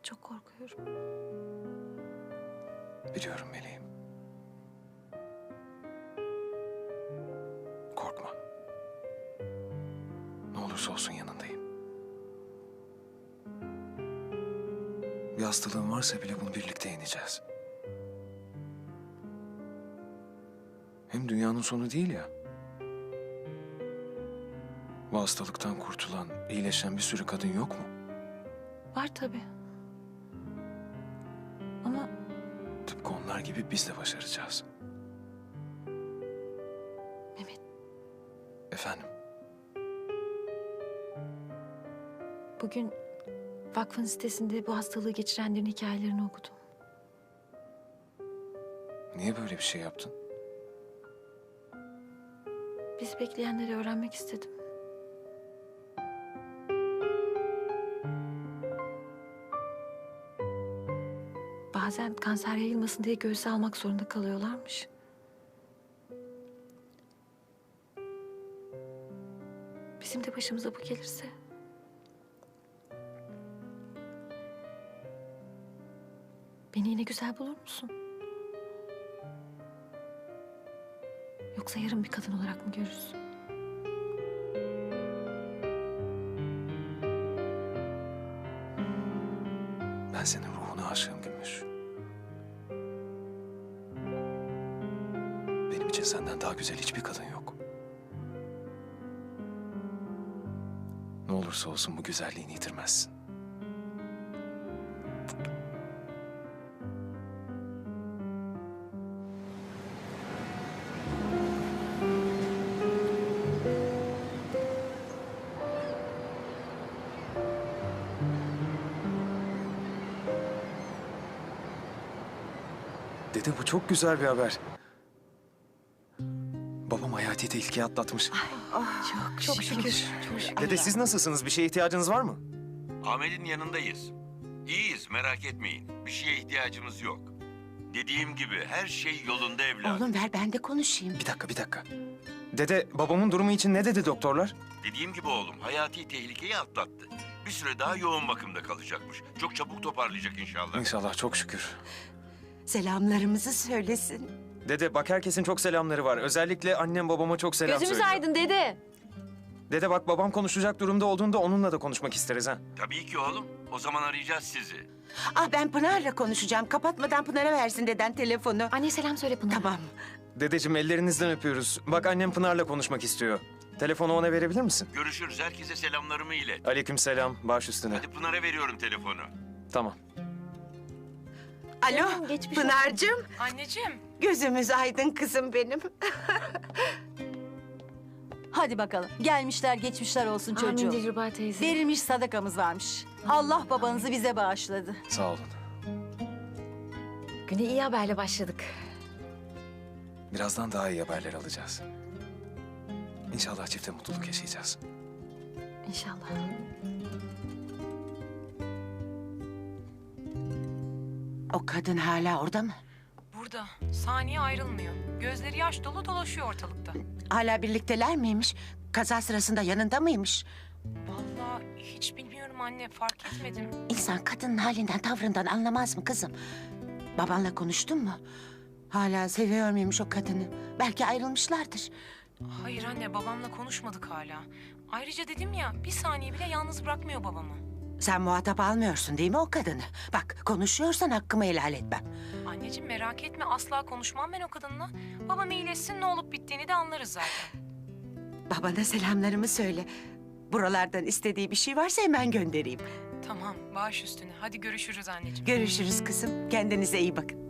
Çok korkuyorum. Biliyorum meleğim. Korkma. Ne olursa olsun yanındayım. Bir hastalığın varsa bile bunu birlikte yeneceğiz. Hem dünyanın sonu değil ya. Bu hastalıktan kurtulan, iyileşen bir sürü kadın yok mu? Var tabii. Ama Tıpkı onlar gibi biz de başaracağız. Mehmet, Efendim, bugün vakfın sitesinde bu hastalığı geçirenlerin hikayelerini okudum. niye böyle bir şey yaptın? Bizi bekleyenleri öğrenmek istedim. Bazen kanser yayılmasın diye göğüse almak zorunda kalıyorlarmış. Bizim de başımıza bu gelirse... Beni yine güzel bulur musun? Yoksa yarın bir kadın olarak mı görürsün? Ben senin ruhuna aşığım Gümüş. Benim için senden daha güzel hiçbir kadın yok. Ne olursa olsun bu güzelliğini yitirmezsin. Dede bu çok güzel bir haber. Babam hayati tehlikeyi atlatmış. Çok şükür. Çok şükür. Dede siz nasılsınız? Bir şeye ihtiyacınız var mı? Ahmet'in yanındayız. İyiyiz, merak etmeyin. Bir şeye ihtiyacımız yok. Dediğim gibi her şey yolunda evladım. Oğlum ver ben de konuşayım. Bir dakika. Dede babamın durumu için ne dedi doktorlar? Dediğim gibi oğlum, hayati tehlikeyi atlattı. Bir süre daha yoğun bakımda kalacakmış. Çok çabuk toparlayacak inşallah. İnşallah, çok şükür. Selamlarımızı söylesin. Dede bak herkesin çok selamları var. Özellikle annem babama çok selam Gözümüz söylüyor. aydın dede. Dede bak babam konuşacak durumda olduğunda onunla da konuşmak isteriz ha. Tabii ki oğlum. O zaman arayacağız sizi. Ah ben Pınar'la konuşacağım. Kapatmadan Pınar'a versin deden telefonu. Anne selam söyle Pınar. Tamam. Dedeciğim ellerinizden öpüyoruz. Bak annem Pınar'la konuşmak istiyor. Telefonu ona verebilir misin? Görüşürüz. Herkese selamlarımı ilet. Aleykümselam. Baş üstüne. Hadi Pınar'a veriyorum telefonu. Tamam. Alo Canım, geçmiş olsun. Pınar'cığım. Anneciğim. Gözümüz aydın kızım benim. Hadi bakalım. Gelmişler geçmişler olsun Amin çocuğum. Dilruba teyze. Verilmiş sadakamız varmış. Allah babanızı bize bağışladı. Sağ olun. Güne iyi haberle başladık. Birazdan daha iyi haberler alacağız. İnşallah çifte mutluluk yaşayacağız. İnşallah. O kadın hala orada mı? Burada. Saniye ayrılmıyor. Gözleri yaş dolu dolaşıyor ortalıkta. Hala birlikteler miymiş? Kaza sırasında yanında mıymış? Vallahi hiç bilmiyorum anne. Fark etmedim. İnsan kadının halinden tavrından anlamaz mı kızım? Babanla konuştun mu? Hala seviyor muymuş o kadını? Belki ayrılmışlardır. Hayır anne, babamla konuşmadık hala. Ayrıca dedim ya, bir saniye bile yalnız bırakmıyor babamı. Sen muhatap almıyorsun değil mi o kadını? Bak konuşuyorsan hakkımı helal etmem. Anneciğim merak etme, asla konuşmam ben o kadınla. Babam iyileşsin, ne olup bittiğini de anlarız zaten. Babana selamlarımı söyle. Buralardan istediği bir şey varsa hemen göndereyim. Tamam, baş üstüne. Hadi görüşürüz anneciğim. Görüşürüz kızım. Kendinize iyi bakın.